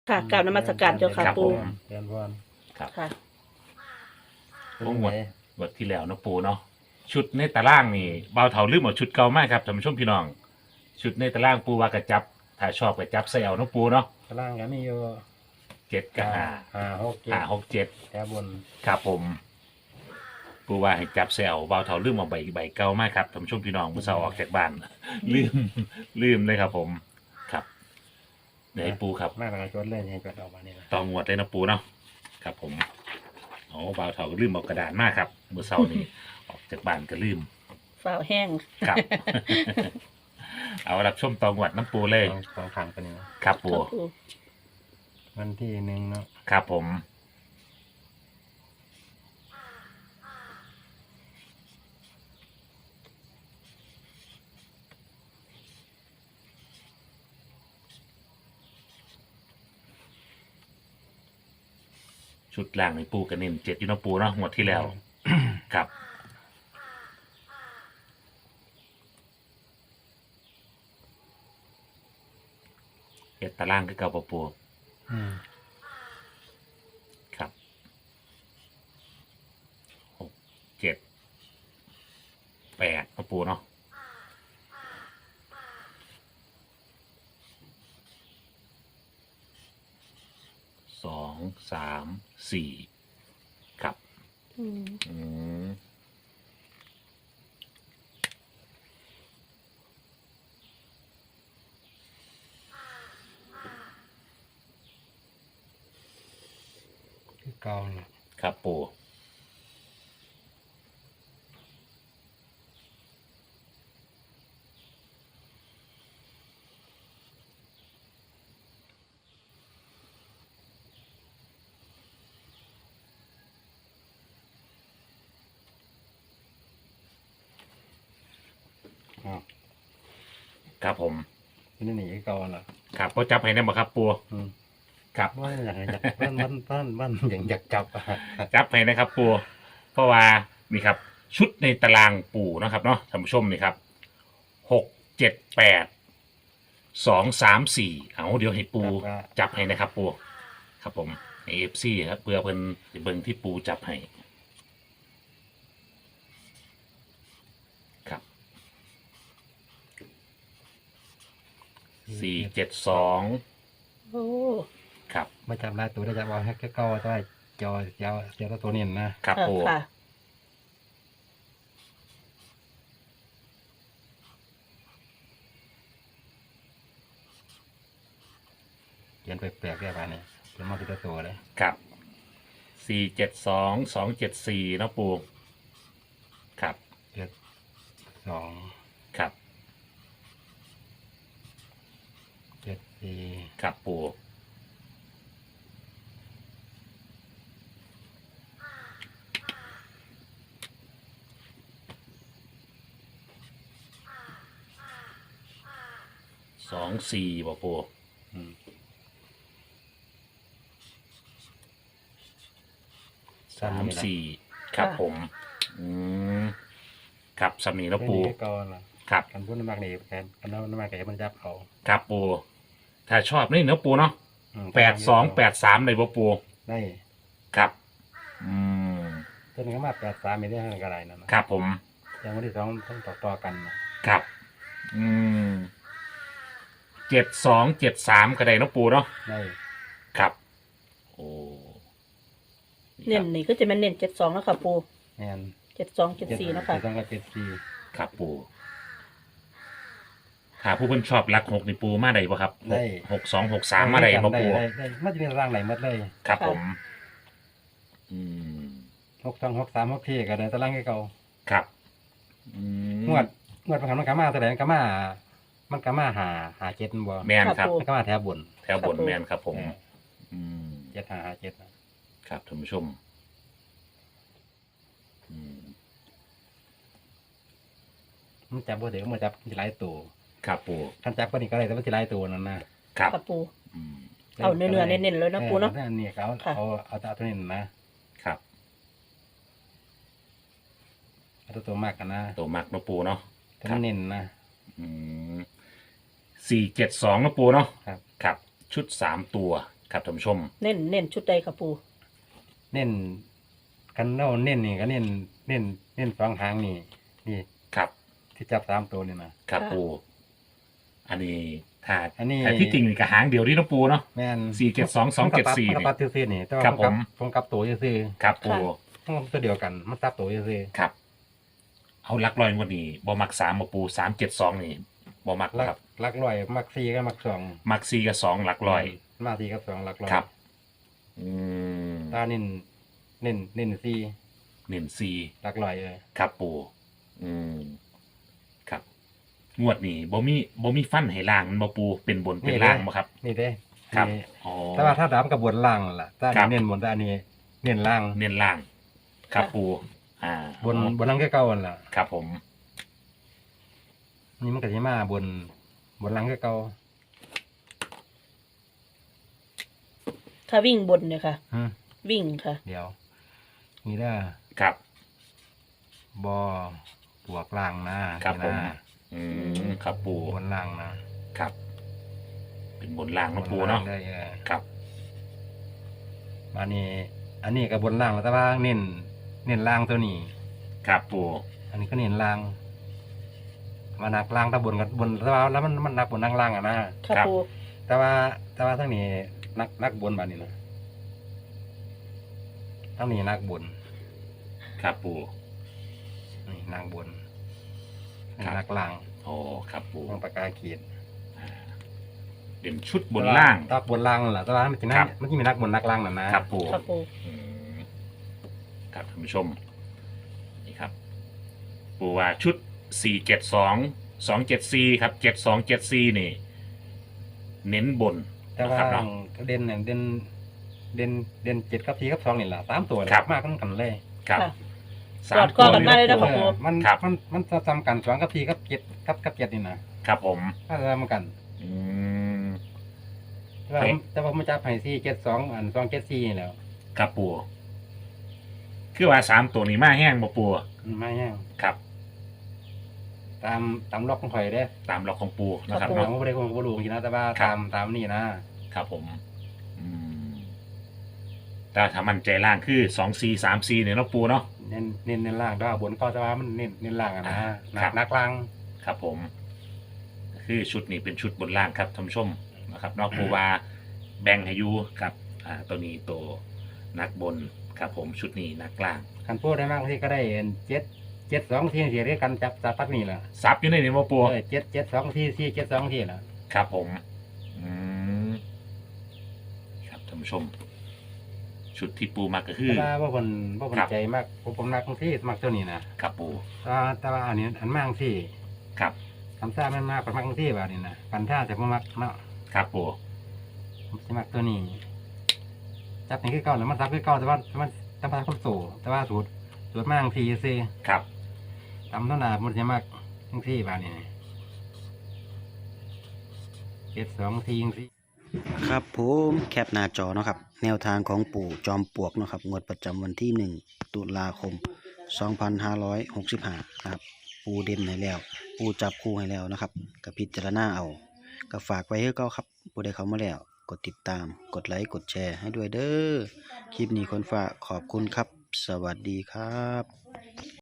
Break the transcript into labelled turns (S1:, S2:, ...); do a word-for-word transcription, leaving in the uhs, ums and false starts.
S1: ค่ะกราบนมัสการเจ้าค่ะ
S2: ครับ
S1: ปู
S2: ผม
S3: เรียนพร
S2: ครับ
S1: ค่ะ
S2: พวกหมดหมดที่แล้วเนาะปูเนาะชุดในตารางนี่เบาเถาลืมหมดชุดเก่ามากครับท่านผู้ชมพี่น้อง ชุดในตารางปูว่ากระจับถ้าชอบกระจับใส่เอาเนาะปูเนาะ
S3: ตารางก็มีอยู่
S2: เจ็ดกับห้า
S3: ห้าหกเจ็ด
S2: ห้าหกเจ็ด
S3: แถวบน
S2: ครับผม ปูว่าให้จับใส่เอาเบาเถาลืมเอาใบใบเก่ามากครับท่านผู้ชมพี่น้องมือเสาออกจากบ้าน ลืมลืมเลยครับผมครับเดี๋ยวให้ปูครับ
S3: มากกว่าจดเลยให้จดออกมานี่ละ
S2: ต่องวดเลยนะปูเนาะครับผมโอ้บ่าวเถาก็ลืมเอากระดานมากครับเมื่อเช้านี้ ออกจากบ้านก็ลืม
S1: ฝ่าวแห้ง
S2: ครับ เอารับชมต่องวดน้ำปูเลย
S3: สองสองขังกันนี่นะครับ
S2: ปู
S1: ค่ะปู
S3: วันที่หนึ่งเนาะ
S2: ครับผม ชุดล่างในปูกันเน้นเจ็ดอยูเนาะปูเนาะงวดที่แล้ว ครับ เอ็ดตารางก็เก่าปะปู
S3: อืม
S2: ครับหกเจ็ดแปดปะปูเนาะสองสามสี่ครับ
S1: อืม
S2: อืม
S3: คือเก่าน่ะ
S2: ครับปู
S3: อ๋อ
S2: ครับผม
S3: นี่นี่คือเก่าน่ะ
S2: ครับก็จับให้ได้บ่ครับปู
S3: อืม
S2: ครับ
S3: ว่าอยากให้จับมันมันมันมันอย่างอยากจับอะ
S2: จับให้นะครับปูเพราะว่านี่ครับ ชุดในตารางปูนะครับเนาะท่านผู้ชมนี่ครับหกเจ็ดแปดสองสามสี่เอาเดี๋ยวให้ปูจับให้นะครับปูครับผมเอฟซีครับเพื่อเพิ่นสิเบิ่งที่ปูจับให้ครับสี่เจ็ดสอง
S1: โอ้
S2: ครับ
S3: มาจับลายตัวได้จับเอาแค่แค่เก่าได้จอเจ้าเจ้าตัวนี้นะครับ
S1: ค่ะ
S2: ปู
S1: ค่ะ
S3: เขียนแปลกๆได้ป่ะเนี่ยเขียนมาเป็นตัวเลย
S2: ครับสี่เจ็ดสองสองเจ็ดสี่นะปูครับ
S3: เจ็ดสอง
S2: ครับ
S3: เจ็ดสี่
S2: ครับปูสองสี่บ่ปู
S3: อืม
S2: สามสี่ครับผม อืมครับสามีแล้วปู
S3: นี่คือเก่าน่ะ
S2: ครับ
S3: กันพูดน้ำมากนี่แทนกันน้ำมากแกมันจับเขา
S2: ครับปู ถ้าชอบนี่เนื้อปูเนาะ
S3: อืม
S2: แปดสองแปดสามเลยบ่ปู
S3: ได้
S2: ครับ อืม
S3: ตัวนี้ก็มาแปดสามไม่ได้ให้กันอะไรนั่นนะครับ
S2: ผม
S3: อย่างวันที่สองต้องต่อต่อกันนะครับ
S2: อืมเจ็ดสองเจ็ดสามก็ได้เนาะปูเนาะ
S3: ได้
S2: ครับ โอ้
S1: เน้นนี่ก็จะเป็นเน้นเจ็ดสองแล้วค่ะปู
S3: แม่น
S1: เจ็ดสองเจ็ดสี่แล้วค่ะ
S3: เจ็ดสองกับเจ็ดสี่
S2: ครับปูถ้าผู้เพิ่นชอบรักหกนี่ปูมาได้ปะครับหกหกสองหกสามมาได้ปะปู
S3: ได้ได้มันจะมีร่างไหนหมดเลย
S2: ครับ
S1: ค่ะ
S2: ผม อืม
S3: หกสองหกสามหกสี่ก็ได้ตารางให้เขา
S2: ครับ อืม
S3: งวดงวดประคันมันกามาแสดงกามามันกามาหาหาเจ็ดบ่
S2: แมนครับ
S3: มันกามาแถวบน
S2: แถวบนแมนครับผม อืม
S3: เจ็ดหาหาเจ็ดนะครับ
S2: ท่านผู้ชม อืม
S3: มันจับบ่เดี๋ยวมันจับที่หลายตัว
S2: ครับปู
S3: คันจับก็นี่ก็ได้แต่ว่าที่หลายตัวนั่นนะครับ
S1: ค่ะปู
S2: อืม
S1: เอาเนื้อๆเน้นๆเลยนะปูเนาะ
S3: ออนี่เขา
S1: ค่ะ
S3: เอาเอาเอาตัวนี้นะครับ เอาตัวตัวมากกันนะ
S2: ตัวมักเนาะปูเนาะ
S3: ตัวนี้เน้นนะ
S2: อืมสี่เจ็ดสองนะปูเนาะ
S3: ครับ
S2: ครับ ชุดสามตัวครับท่านผู้ชม
S1: เน้นเน้นชุดใดค่ะปู
S3: เน้นกันเน่าเน้นนี่ก็เน้นเน้นเน้นสองหางนี่นี่
S2: ครับ
S3: ที่จับสามตัวนี่นะครับ
S2: ปูอันนี้ถ้า
S3: อันนี้
S2: แต่ที่จริงนี่ก็หางเดียวที่น้องปูเนาะ
S3: แม่น
S2: สี่เจ็ดสองสองเจ็ดสี่
S3: มันก็ตัดซื่อๆนี่แต่ว่า
S2: ครับ
S3: ผมกลับ
S2: ผม
S3: ผมกลับตัวซื่อ
S2: ครับปู
S3: ๆมันตัวเดียวกันมันตัดตัวซื่อ
S2: ครับ เอาลักลอยงวันนี้บอมักสามมาปูสามเจ็ดสองนี่บอมัก
S3: ๆลัก
S2: ครับ
S3: ลักร้อยมักสี่ก็มักสอง
S2: มักสี่กับสองลักลอย
S3: มาสี่กับสองลักร้อย
S2: ครับ อืม
S3: ตาเน้นเน้นเน้นสี่
S2: เน้นสี่
S3: ลักร้อยเลย
S2: ครับปูอืมครับ งวดนี้บ่มีบ่มีฟันให้ล่างมันบ่ปูเป็นบนเป็นล่างบ่ครับ
S3: นี่เด้
S2: ครับ
S3: นี่
S2: อ๋อ
S3: แต่ว่าถ้าดำกับบนล่างนั่นล่ะถ้า
S2: ครับ
S3: เน้นบนแต่อันนี้เน้นล่าง
S2: เน้นล่าง ครับปูอ่า
S3: บนบนล่างก็เก่านั่นล่ะ
S2: ครับผม
S3: นี่มันก็สิมาบนบนล่างก็เก่า
S1: ถ้าวิ่งบนเนี่ยค่ะ
S3: ฮะ
S1: วิ่งค่ะ
S3: เดี๋ยว นี่เด้อ
S2: ครับ
S3: บอบวกล่างนะครับ
S2: ผม
S3: นี่นะ
S2: อืมครับปู
S3: บนล่างนะครับ
S2: เป็นบนล่างนะปู
S3: บล่
S2: เนาะ
S3: งได้เออ
S2: ครับ
S3: อันนี้ อันนี้ก็บนล่างแต่ว่าเน้นเน้นล่างตัวนี้
S2: ครับปู
S3: อันนี้ก็เน้นล่างมานักล่างถ้าบนกับบนแต่ว่าแล้วมันมันนักบนนักล่างอะนะ
S1: ค่ะปู
S3: แต่ว่าแต่ว่าทั้งนี้นักนักบนบานนี้นะทั้งนี้นักบน
S2: ครับปู
S3: นี่นักบน
S2: ครับ
S3: นักล่าง
S2: โอ้ครับปู
S3: ต้องปากกาเขียน
S2: เด่นชุดบนล่าง
S3: ถ้าบนล่างนั่นแหละแต่ว่ามันจะนั
S2: ครั
S3: ก
S2: บ
S3: มันจะมีนักบนนักล่างน่ะนะครับ
S2: ปู
S1: ค่ะปู
S2: อืมครับท่านผู้ชม นี่ครับ ปูว่าชุดสี่เจ็ดสองสองเจ็ดสี่ครับเจ็ดสองเจ็ดสี่นี่ เน้นบน
S3: แต่
S2: นะ
S3: ว่า
S2: ครับเนาะ
S3: เด่นเนี่ยเด่นเด่นเด่นเจ็ดกับสี่กับสองนี่แหละสามตัวเลย
S2: ครับ
S3: มากกันกันเลย
S2: ครับ
S1: ค่ะ
S2: สาก ม
S1: อดข้อกันมาเลยนะ
S2: ปู
S1: ครับ
S3: เออมัน
S2: ครับ
S3: มันมันซ้ำกันสองกับสี่กับเจ็ดกับกับเจ็ดนี่นะครับ
S2: ผม
S3: ถ้าซ้ำกัน
S2: อืม
S3: แต่ว่า
S2: เอ๊ะ
S3: แต่ว่ามันจะให้สี่เจ็ดสองอันสองเจ็ดสี่นี่แหล้ว
S2: ครับปูคือว่าสามตัวนี้มาแห้งบ่ปู
S3: ไม่แห้ง
S2: ครับ
S3: ตามตามล็อกของข่อยเด้
S2: ตามล็อกของปูนะครับ
S3: ผม
S2: เนาะ
S3: ก็ไม่ได้คงบ่รู้จริงๆนะแต่ว่า
S2: ครับ
S3: ตามตามนี่นะครับ
S2: ผม อืมแต่ถ้ามันใจล่างคือสองสี่สามสี่เนี่ยเนาะปูเนาะ
S3: เน้นเน้นเน้นล่างแต่ว่าบนก็แต่ว่ามันเน้นเน้นล่างอะนะ
S2: อ่า
S3: หนั
S2: ครั
S3: ก
S2: บ
S3: หนักล่าง
S2: ครับผม คือชุดนี้เป็นชุดบนล่างครับท่านผู้ชมนะครับเนอกปูว่าแบ่งให้อยูครับ อ่า ตัวนี้ตัวนักบนครับผมชุดนี้นักล่าง
S3: คันพูดได้มากที่ก็ได้เจ็ดเจ็ดสองที่เสียเรียกกันจับจับปักนี่แหละ
S2: ซับอยู่ในนี้บ่ปู
S3: เออเจ็ดเจ็ดสองที่สี่เจ็ดสองที่แหละ
S2: ครับผม อืมครับท่านผู้ชม ชุดที่ปูมาก็คือ
S3: แต่ว่าว่าคนว่าคน
S2: ครับ
S3: ใจมากผมผมมักที่มักตัวนี้นะครับ
S2: ปู
S3: แต่ว่าแต่ว่าอันนี้อันมากที่
S2: ครับ
S3: คำซ่ามันมากกว่ามักที่แบบนี้นะกันท่าแต่ผมมักเนาะ
S2: ครับปู
S3: ผมจะมักตัวนี้จับนี่คือเก่าแล้วมันซับคือเก่าแต่ว่ามันจำเป็นคนโตแต่ว่าสูตรสูตรมากที่ซี
S2: ครับ
S3: ตำเท่าหนามันจะมักทั้งที่แบบนี้เจ็ดสองทีจังซี่
S4: ครับผมแคปหน้าจอเนาะครับแนวทางของปู่จอมปลวกเนาะครับงวดประจำวันที่หนึ่งตุลาคมสองพันห้าร้อยหกสิบห้านะครับปูเด่นให้แล้ว ปูจับคู่ให้แล้วนะครับกับพิจารณาเอาก็ฝากไว้ให้เก้าครับผู้ใดเข้ามาแล้วกดติดตามกดไลค์กดแชร์ให้ด้วยเด้อคลิปนี้คนฝากขอบคุณครับ สวัสดีครับ